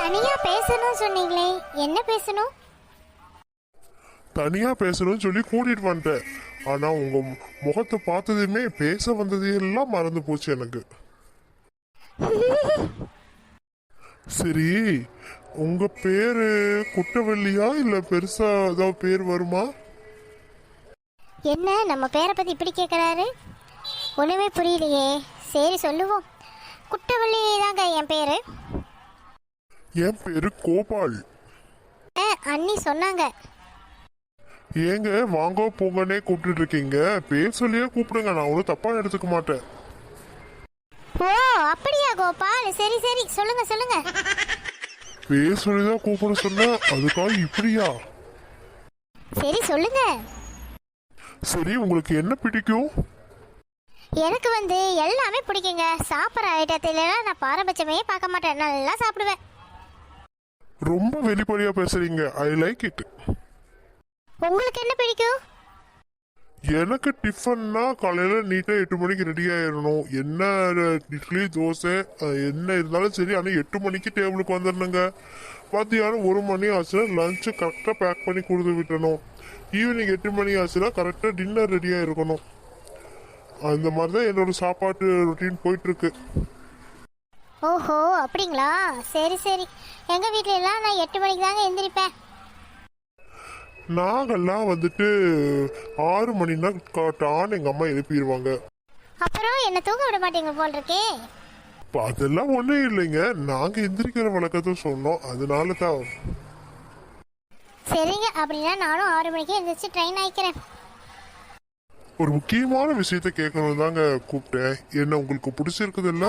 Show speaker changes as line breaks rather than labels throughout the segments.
தனியா பேசணும் சொன்னீங்களே, என்ன பேசணும்?
தனியா பேசணும்னு சொல்லி கூட்டிட்டு வந்துட்டேன். ஆனா உங்க முகத்தை பார்த்ததுமே பேச வந்தது எல்லாம் மறந்து போச்சு எனக்கு. சரி, உங்க பேரு குட்டவள்ளியா இல்ல பெருசா ஏதாவது பேர் வருமா?
என்ன நம்ம பேரை பத்தி இப்படி கேட்குறாரு? ஒண்ணுமே புரியலையே. சரி சொல்லுவோம். குட்டவள்ளி தாங்க என் பேரு.
என் பேரு கோபால்.
அண்ணி சொன்னாங்க.
ஏங்க வாங்க போங்கன்னே கூப்பிட்டு இருக்கீங்க, பேர் சொல்லியே கூப்பிடுங்க, நான் ஒன்றும் தப்பா எடுத்துக்க மாட்டேன்.
ஓ அப்படியா கோபால், சரி சரி சொல்லுங்க சொல்லுங்க.
பேர் சொல்லிதான் கூப்பிட சொன்ன, அதுக்காக இப்படியா?
சரி சொல்லுங்க.
சரி, உங்களுக்கு என்ன பிடிக்கும்?
எனக்கு எல்லாமே பிடிக்குங்க. சாப்பிட்ற ஐட்டத்துல நான் பாரபட்சமே பார்க்க மாட்டேன், நல்லா சாப்பிடுவேன்.
ரொம்ப வெளிப்படையா பேசுறீங்க, ஐ லைக் இட்.
உங்களுக்கு என்ன பிடிக்கும்?
எனக்கு டிஃபன்னா காலையில நீட்டா 8 மணிக்கு ரெடி ஆயிடணும். என்ன இட்லி தோசை என்ன இருந்தாலும் சரி, ஆனால் 8 மணிக்கு டேபிளுக்கு வந்துடணுங்க. மத்தியானம் 1 மணி ஆச்சுன்னா லஞ்சு கரெக்டாக பேக் பண்ணி கொடுத்து விட்டணும். ஈவினிங் 8 மணி ஆச்சுன்னா கரெக்டாக டின்னர் ரெடியாக இருக்கணும். அந்த மாதிரி தான் என்னோட சாப்பாட்டு ரொட்டீன் போயிட்டு இருக்கு.
ஓஹோ அப்படிங்களா, சரி சரி. எங்க வீட்ல எல்லாம் நான் 8 மணிக்கு தாங்க எந்திரிப்பேன்.
நாங்கெல்லாம் 6 மணினா காட்டான்னு எங்க அம்மா எழுப்பிடுவாங்க.
அப்புறம் என்ன தூங்க விட மாட்டீங்க போல் இருக்கே.
அதெல்லாம் ஒண்ணும் இல்லைங்க, நாங்க எந்திரிக்கிற வழக்கத்தை சொன்னோம், அதனால தான்.
சரிங்க, அப்படின்னா நானும் 6 மணிக்கு எந்திரிச்சு ட்ரெயின் ஆயிக்கிறேன்.
ஒரு முக்கியமான விஷயத்த கேட்கணும் தாங்க கூப்பிட்டேன். என்ன உங்களுக்கு பிடிச்சிருக்குதுல்ல?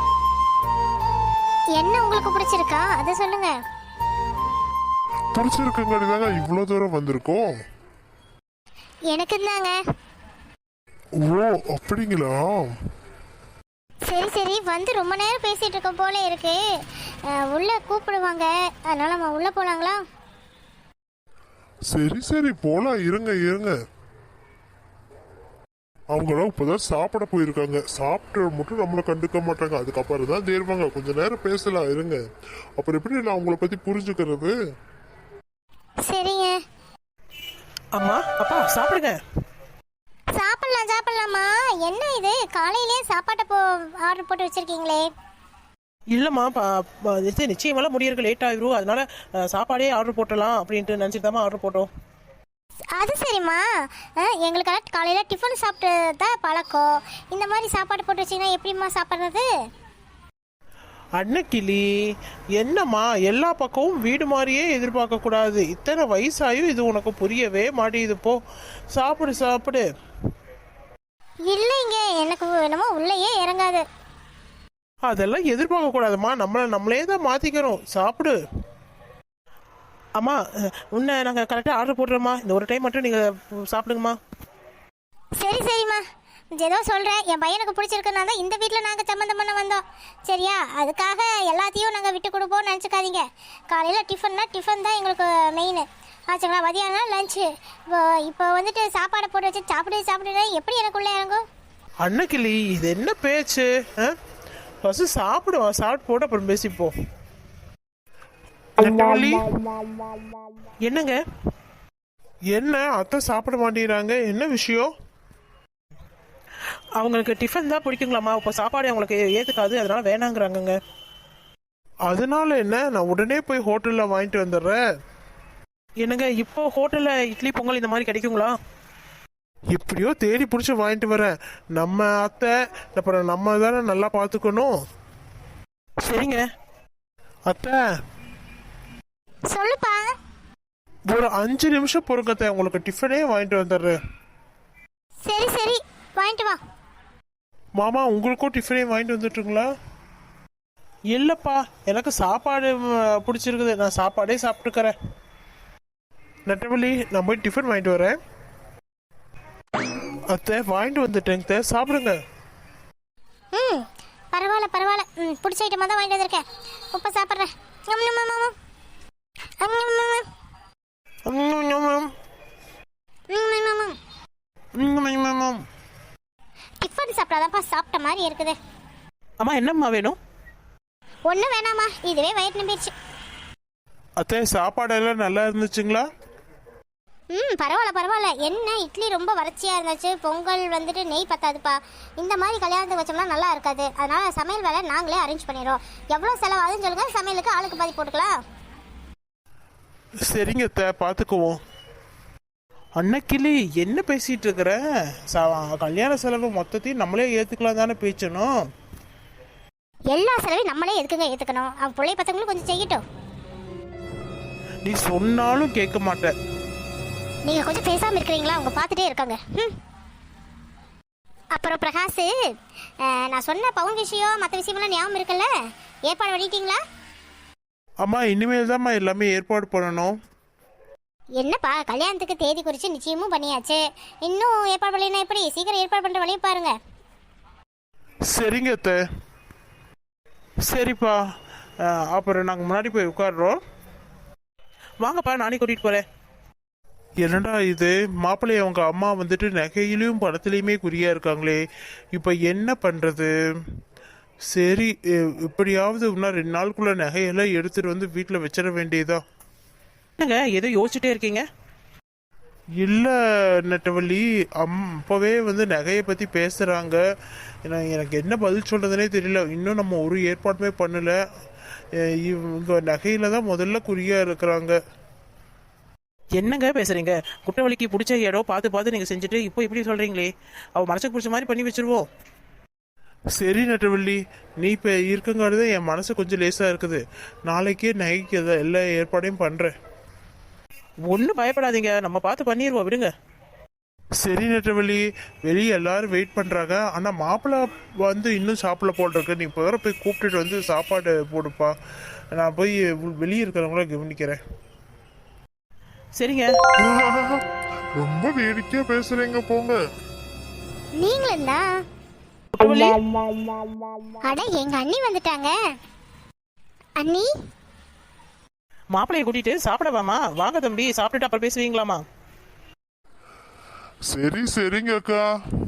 என்ன உங்களுக்கு பிடிச்சிருக்கா அதை சொல்லுங்க.
பிடிச்சிருக்குங்கிறது தாங்க இவ்வளவு தூரம் வந்திருக்கோம்.
எனக்கு தாங்க.
ஓ அப்படிங்களா?
சரி சரி, ரொம்ப நேரம் பேசிட்டு இருக்க போல இருக்கு. உள்ள கூப்பிடுவாங்க, அதனால நம்ம உள்ள போலாங்களா?
சரி சரி போலாம், இருங்க இருங்க. அவங்களாம் இப்பதான் சாப்பிட போயிருக்காங்க, சாப்பிட்டு மட்டும் நம்மளை கண்டுக்க மாட்டாங்க, அதுக்கப்புறம் தான் தேர்வாங்க. கொஞ்ச நேரம் பேசலாம் இருங்க, அப்புறம் எப்படி நான் அவங்கள பத்தி புரிஞ்சுக்கிறது?
சரிங்க.
அம்மா அப்பா சாப்பிடுங்க.
சாப்பிடலாம் சாப்பிடலாமா? என்ன இது காலையிலேயே சாப்பாட்டை ஆர்டர் போட்டு வச்சிருக்கீங்களே?
இல்லைம்மா நிச்சயமெல்லாம் முடியறதுக்கு லேட் ஆகிரும், அதனால சாப்பாடே ஆர்டர் போட்டலாம் அப்படின்ட்டு நினச்சிட்டு தான் ஆர்டர் போட்டோம்.
அது சரிம்மா, எங்களுக்கெல்லாம் காலையில் டிஃபன் சாப்பிட்டு தான் பழக்கம். இந்த மாதிரி சாப்பாடு போட்டு வச்சிங்கன்னா எப்படிம்மா சாப்பிட்றது?
அன்னக்கிளி, என்னம்மா எல்லா பக்கமும் வீடு மாதிரியே எதிர்பார்க்க கூடாது. இத்தனை வயசாயும் இது உனக்கு புரியவே மாட்டேங்குது. போ சாப்பிடு சாப்பிடு.
இல்லைங்க, எனக்கு என்னமோ உள்ளேயே இறங்காது.
அதெல்லாம் எதிர்பார்க்க கூடாதும்மா, நம்மளே தான் மாத்திக்கிறோம். சாப்பிடு. அம்மா உன்னை நாங்கள் கரெக்டாக ஆர்டர் போடுறோம்மா, இந்த ஒரு டைம் மட்டும் நீங்கள் சாப்பிடுங்கம்மா.
சரி சரிம்மா, ஏதோ சொல்கிறேன். என் பையனுக்கு பிடிச்சிருக்குன்னா தான் இந்த வீட்டில் நாங்கள் சம்மந்தம் பண்ண வந்தோம், சரியா? அதுக்காக எல்லாத்தையும் நாங்கள் விட்டு கொடுப்போம்னு நினச்சிக்காதீங்க. காலையில் டிஃபன் தான் எங்களுக்கு மெயின் ஆச்சுங்களா? மதியானம் லஞ்சு. இப்போ சாப்பாடை போட்டு வச்சு சாப்பிடுனா எப்படி எனக்குள்ளே இறங்கும்?
அன்னக்கிளி, இது என்ன பேச்சு? ஃபஸ்ட்டு சாப்பிடுவோம், சாப்பிட்டு போட்டு அப்புறம் பேசிப்போம். என்னங்க
என்ன அத்தை சாப்பிட மாட்டேங்கிறாங்க, என்ன விஷயம்?
அவங்களுக்கு டிஃபன் தான் பிடிக்குங்களாம்மா, இப்போ சாப்பாடு அவங்களுக்கு ஏற்றுக்காது, அதனால வேணாங்கிறாங்கங்க.
அதனால என்ன, நான் உடனே போய் ஹோட்டலில் வாங்கிட்டு வந்துடுறேன்.
என்னங்க இப்போ ஹோட்டலில் இட்லி பொங்கல் இந்த மாதிரி கிடைக்குங்களா?
எப்படியோ தேடி பிடிச்சி வாங்கிட்டு வரேன். நம்ம அத்தை அப்புறம் நம்ம தானே நல்லா பார்த்துக்கணும்.
சரிங்க.
அத்தை
சொல்லுப்பா.
ஒரு 5 நிமிஷம் பொறுக்கத்தை, உங்களுக்கு டிஃபனே வாங்கிட்டு வந்துடுறேன்.
சரி சரி வாங்கிட்டு வா.
மாமா உங்களுக்கும் டிஃபனே வாங்கிட்டு வந்துட்டுங்களா?
இல்லைப்பா, எனக்கு சாப்பாடு பிடிச்சிருக்குது, நான் சாப்பாடே சாப்பிட்டுக்கிறேன்.
நட்டவள்ளி, நான் போய் டிஃபன் வாங்கிட்டு வரேன். அத்தை வாங்கிட்டு வந்துட்டேங்க, சாப்பிடுங்க.
பரவாயில்ல பரவாயில்ல, பிடிச்ச ஐட்டமாக தான் வாங்கிட்டு வந்திருக்கேன், உப்பை சாப்பிட்றேன். டிஃபன் சாப்பிட்டாதான்ப்பா சாப்பிட்ட மாதிரி இருக்குது.
அம்மா என்னம்மா வேணும்?
ஒன்றும் வேணாம்மா, இதுவே வயிறு நம்பிடுச்சு.
அத்தை சாப்பாடெல்லாம் நல்லா இருந்துச்சுங்களா?
பரவாயில்ல பரவாயில்ல. என்ன இட்லி ரொம்ப வறட்சியாக இருந்துச்சு, பொங்கல் வந்துட்டு நெய் பத்தாதுப்பா. இந்த மாதிரி கல்யாணத்துக்கு வச்சோம்னா நல்லா இருக்காது. அதனால சமையல் வேலை நாங்களே அரேஞ்ச் பண்ணிடுறோம். எவ்வளோ செலவாகுதுன்னு சொல்லுங்க, சமையலுக்கு ஆளுக்கு பாதி போட்டுக்கலாம்.
சரிங்க அத்தை, பார்த்துக்குவோம். அன்னைக்கிளி என்ன பேசிட்டு இருக்கிற? கல்யாண செலவு மொத்தத்தையும் நம்மளே ஏற்றுக்கலாம் தானே பேச்சணும்.
எல்லா செலவையும் நம்மளே எதுக்குங்க ஏற்றுக்கணும்? அவன் பிள்ளை பத்தவங்களும் கொஞ்சம் செய்யட்டும்.
நீ சொன்னாலும் கேட்க மாட்டேன்.
நீங்கள் கொஞ்சம் பேசாமல் இருக்கிறீங்களா? அவங்க பார்த்துட்டே இருக்காங்க. அப்புறம் பிரகாஷ், நான் சொன்ன பவுன் விஷயம் மற்ற விஷயமெல்லாம் ஞாபகம் இருக்குல்ல? ஏற்பாடு பண்ணிட்டீங்களா?
அம்மா இனிமேல் தான்மா எல்லாமே ஏற்பாடு பண்ணணும்.
என்னப்பா, கல்யாணத்துக்கு தேதி குறித்து நிச்சயமும் பண்ணியாச்சு, இன்னும் ஏற்பாடு பண்ணலைன்னா எப்படி? சீக்கிரம் ஏற்பாடு பண்ணுற வழியை பாருங்க.
சரிங்க அத்தை. சரிப்பா, அப்புறம் நாங்கள் முன்னாடி போய் உட்காடுறோம். வாங்கப்பா, நானே கூட்டிகிட்டு போகிறேன். என்னடா இது, மாப்பிள்ளை அவங்க அம்மா வந்துட்டு நகையிலையும் பணத்துலேயுமே குறியா இருக்காங்களே, இப்போ என்ன பண்ணுறது? சரி, இப்படியாவது இன்னும் 2 நாளுக்குள்ள நகையெல்லாம் எடுத்துகிட்டு வந்து வீட்டில் வச்சிட வேண்டியதா. என்னங்க ஏதோ யோசிச்சுட்டே இருக்கீங்க? இல்லை நெட்டவள்ளி, அப்போவே வந்து நகையை பற்றி பேசுகிறாங்க. எனக்கு என்ன பதில் சொல்கிறதுனே தெரியல. இன்னும் நம்ம ஒரு ஏற்பாடுமே பண்ணலை. இவங்க நகையில் தான் முதல்ல குறியாக இருக்கிறாங்க. என்னங்க பேசுறீங்க? குற்றவாளிக்கு பிடிச்ச இடம் பார்த்து பார்த்து நீங்கள் செஞ்சுட்டு இப்போ இப்படி சொல்கிறீங்களே. அவள் மனசுக்கு பிடிச்ச மாதிரி பண்ணி வச்சிருவோம். சரி நெட்டவள்ளி, நீ இப்போ இருக்கங்காடு என் மனசு கொஞ்சம் லேசாக இருக்குது. நாளைக்கே நகைக்கு எல்லா ஏற்பாடையும் பண்ணுறேன். ஒன்றும் பயப்படாதீங்க, நம்ம பார்த்து பண்ணிடுவோம், விடுங்க. சரி நெட்டவள்ளி, வெளியே எல்லாரும் வெயிட் பண்ணுறாங்க. ஆனால் மாப்பிள்ளை வந்து இன்னும் சாப்பிட போட்டிருக்கு. நீ இப்போ போய் கூப்பிட்டுட்டு வந்து சாப்பாடு போடுப்பா. நான் போய் வெளியே இருக்கிறவங்கள கவனிக்கிறேன். சரிங்க.
ரொம்ப வேடிக்கையா பேசுறீங்க போங்க.
நீங்களும் தான். அட, எங்க அண்ணி வந்துட்டாங்க. அண்ணி,
மாப்பிள்ளையை கூட்டிட்டு சாப்பிடவாமா? வாங்க தம்பி, சாப்பிட்டுட்டு அப்புறம் பேசுவீங்களாமா?
சரி சரிங்க அக்கா.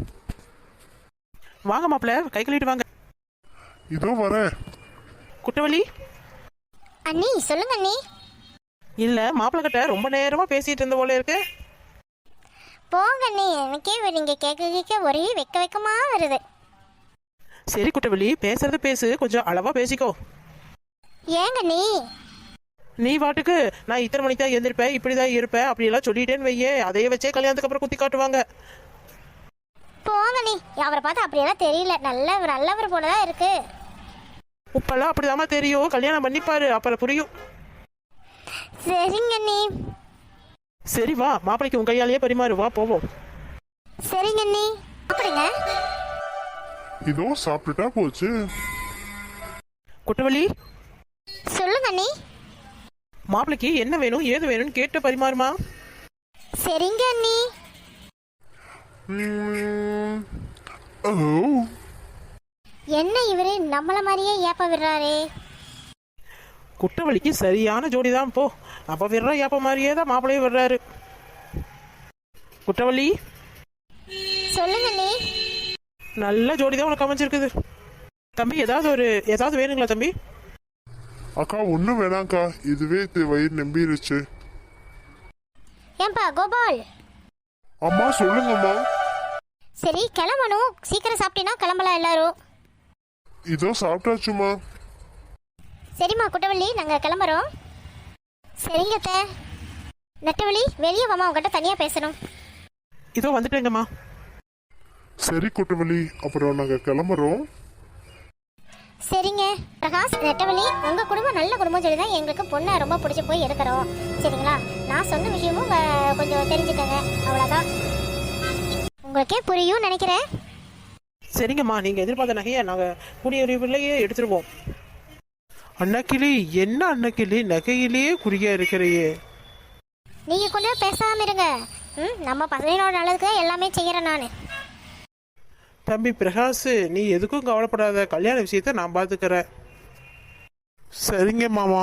வாங்க மாப்பிள்ளை, கை கழுவிட்டு வாங்க.
இதோ வரேன்.
குற்றவாளி.
அண்ணி சொல்லுங்க அண்ணி.
இல்ல, மாப்பிள்ளை கிட்ட ரொம்ப நேரமா பேசிட்டு இருந்த போல இருக்கு.
போங்க அண்ணி, எனக்கே நீங்க கேட்க கேட்க ஒரே வெக்கமா வருது.
சரி குற்றவாளி, பேசுறது பேசு, கொஞ்சம் அளவா பேசிக்கோ.
ஏங்க
நீ வாட்டுக்கு நான் இத்தனை மணிக்கு தான் எழுந்திருப்பேன், இப்படிதான் இருப்பேன் அப்படியெல்லாம் சொல்லிட்டேன்னு வையே, அதையே வச்சே கல்யாணத்துக்கு அப்புறம் குத்தி காட்டுவாங்க.
போங்க நீ, அவரை பார்த்து அப்படியெல்லாம் தெரியல, நல்லவர் போலதான் இருக்கு.
உப்பெல்லாம் அப்படிதாம்மா தெரியும், கல்யாணம் பண்ணிப்பாரு அப்புறம் புரியும்.
சரிங்க நீ.
சரி வா, மாப்பிளைக்கு உன் கையாலேயே பரிமாறு, வா போவோம்.
சரிங்க நீ. அப்படிங்க.
இதோ சாப்பிட்டுட்டா போச்சு.
குற்றவாளி.
சொல்லுங்க நீ.
மாப்பிளைக்கு என்ன வேணும் ஏது வேணும்னு கேட்டு பரிமாறுமா.
சரிங்க நீ. என்ன இவரு நம்மள மாதிரியே ஏப்ப விடுறாரே.
குற்றவாளிக்கு சரியான ஜோடிதான் போ. அப்ப விடுற ஏப்ப மாதிரியே தான் மாப்பிளையே விடுறாரு. குற்றவாளி.
சொல்லுங்க நீ.
நல்ல ஜோடிதான் உனக்கு அமைஞ்சிருக்குது. தம்பி ஏதாவது வேணுங்களா தம்பி?
அக்கா ஒன்றும் வேணாங்க்கா, இதுவே வயிறு நம்பிருச்சு.
ஏன்பா கோபால்.
அம்மா சொல்லுங்கம்மா.
சரி கிளம்பணும், சீக்கிரம் சாப்பிட்டீங்கன்னா கிளம்பலாம் எல்லாரும்.
இதோ சாப்பிட்டாச்சுமா.
சரிம்மா குட்டவள்ளி, நாங்கள் கிளம்புறோம். சரிங்க அத்தை. நெட்டவள்ளி வெளியே வாமா, உங்ககிட்ட தனியாக பேசணும்.
இதோ வந்துட்டேங்கம்மா.
சரி குட்டவள்ளி, அப்புறம் நாங்கள் கிளம்புறோம்.
சரிங்க பிரகாஷ், நெட்டவள்ளி உங்கள் குடும்பம் நல்ல குடும்பம் சொல்லி தான் எங்களுக்கு பொண்ணை ரொம்ப பிடிச்சி போய் எடுக்கிறோம். சரிங்களா? நான் சொன்ன விஷயமும் கொஞ்சம் தெரிஞ்சுக்கங்க, அவ்வளோதான். உங்களுக்கே புரியும் நினைக்கிறேன்.
சரிங்கம்மா, நீங்கள் எதிர்பார்த்த நகையை நாங்கள் கூடிய விரைவிலேயே எடுத்துருவோம். அன்னக்கிளி, என்ன அன்னக்கிளி நகையிலேயே குறியா இருக்கிறையே.
நீங்கள் கொஞ்சம் பேசாமல் இருங்க. நம்ம பசங்களோட நல்லதுக்கு எல்லாமே செய்கிறேன் நான்.
தம்பி பிரகாஷ், நீ எதுக்கும் கவலைப்படாத, கல்யாண விஷயத்த நான் பார்த்துக்கிறேன். சரிங்க மாமா.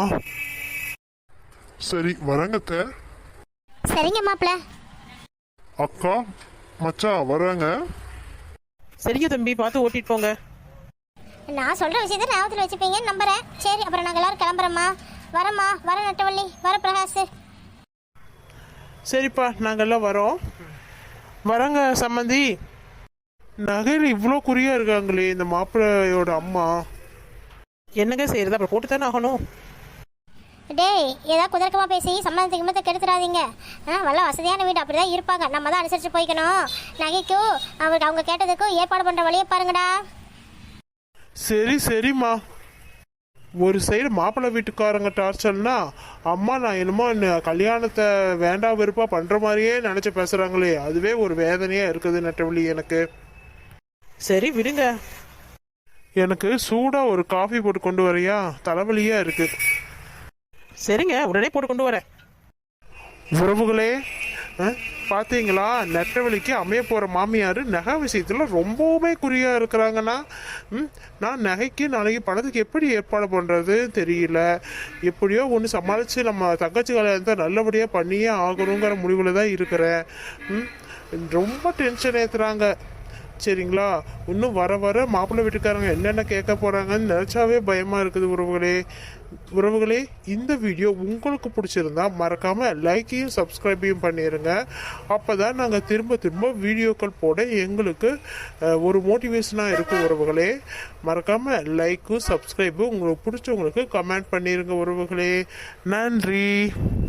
சரி வரங்கத்த.
சரிங்க மாப்பிள்ள.
அக்கா மச்சான் வராங்க.
சரிங்க தம்பி, பார்த்து ஓட்டிட்டு போங்க.
நான் சொல்கிற விஷயத்த ஞாபகத்தில் வச்சுப்பீங்கன்னு நம்புறேன். சரி, அப்புறம் நாங்கள் எல்லாரும் கிளம்புறோம்மா. வரம்மா, வர நட்டவள்ளி, வர பிரகாஷ்.
சரிப்பா நாங்கெல்லாம் வரோம். வரங்க சம்மந்தி. நகையில் இவ்வளோ குறியா இருக்காங்களே இந்த மாப்பிள்ளையோட அம்மா. என்னங்க செய்யறது, அப்புறம் போட்டு தானே ஆகணும்.
டேய், ஏதாவது குதர்க்கமாக பேசி சம்மந்தத்துக்கு கிம்மத்தை கெடுத்துடாதீங்க. வல்ல வசதியான வீடு அப்படி தான் இருப்பாங்க. நம்ம தான் அனுசரித்து போய்க்கணும். நகைக்கும் அவங்க கேட்டதுக்கும் ஏற்பாடு பண்ணுற வழியை பாருங்கடா.
சரி சரிம்மா. ஒரு சைடு மாப்பிள்ளை வீட்டுக்காரங்க டார்ச்சர்னா, அம்மா நான் என்னமோ கல்யாணத்தை வேண்டாம் வெறுப்பா பண்ற மாதிரியே நினைச்சு பேசுறாங்களே, அதுவே ஒரு வேதனையா இருக்குது நெட்டவழி எனக்கு. சரி விடுங்க. எனக்கு சூடா ஒரு காஃபி போட்டு கொண்டு வரையா, தலைவலியா இருக்கு. சரிங்க, உடனே போட்டு கொண்டு வரேன். உறவுகளே, பார்த்தீங்களா நெட்டவழிக்கு அமைய போகிற மாமியார் நகை விஷயத்தில் ரொம்பவுமே குறியாக இருக்கிறாங்கன்னா, நான் நகைக்கு நாளைக்கு பணத்துக்கு எப்படி ஏற்பாடு பண்ணுறது தெரியல. எப்படியோ ஒன்று சமாளித்து நம்ம தங்கச்சி கல்யாணத்தை நல்லபடியாக பண்ணியே ஆகணுங்கிற முடிவில் தான் இருக்கிறேன். ரொம்ப டென்ஷன் ஏற்றுறாங்க. சரிங்களா, இன்னும் வர வர மாப்பிள்ளை வீட்டுக்காரங்க என்னென்ன கேட்க போகிறாங்கன்னு நினச்சாவே பயமாக இருக்குது உறவுகளே. இந்த வீடியோ உங்களுக்கு பிடிச்சிருந்தா மறக்காமல் லைக்கையும் சப்ஸ்கிரைபையும் பண்ணிடுங்க. அப்போ தான் நாங்கள் திரும்ப திரும்ப வீடியோக்கள் போட எங்களுக்கு ஒரு மோட்டிவேஷனாக இருக்கும் உறவுகளே. மறக்காமல் லைக்கும் சப்ஸ்கிரைபும் உங்களுக்கு பிடிச்சவங்களுக்கு கமெண்ட் பண்ணிடுங்க உறவுகளே. நன்றி.